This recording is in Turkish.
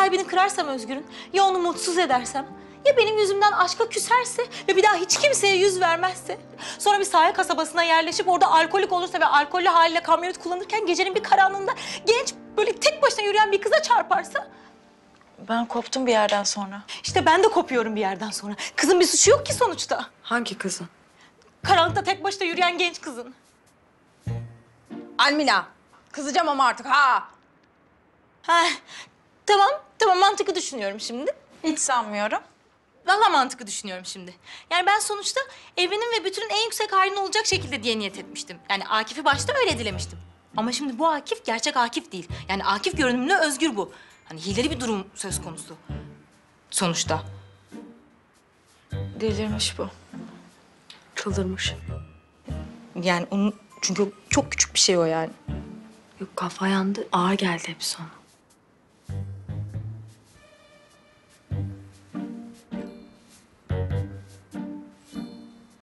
kalbini kırarsam Özgür'ün, ya onu mutsuz edersem, ya benim yüzümden aşka küserse ve bir daha hiç kimseye yüz vermezse, sonra bir sahil kasabasına yerleşip orada alkolik olursa ve alkollü haliyle kamyonet kullanırken gecenin bir karanlığında genç böyle tek başına yürüyen bir kıza çarparsa... Ben koptum bir yerden sonra. İşte ben de kopuyorum bir yerden sonra. Kızın bir suçu yok ki sonuçta. Hangi kızın? Karanlıkta tek başına yürüyen genç kızın. Almila. Kızacağım ama artık ha. Ha, tamam mantıklı düşünüyorum şimdi. Hiç sanmıyorum. Vallahi mantıklı düşünüyorum şimdi. Yani ben sonuçta evrenin ve bütünün en yüksek halini olacak şekilde diye niyet etmiştim. Yani Akif'i başta öyle dilemiştim. Ama şimdi bu Akif gerçek Akif değil. Yani Akif görünümlü Özgür bu. Hani hileli bir durum söz konusu. Sonuçta. Delirmiş bu. Çıldırmış. Yani onun çünkü çok küçük bir şey o yani. Yok kafa yandı. Ağır geldi hepsi ona.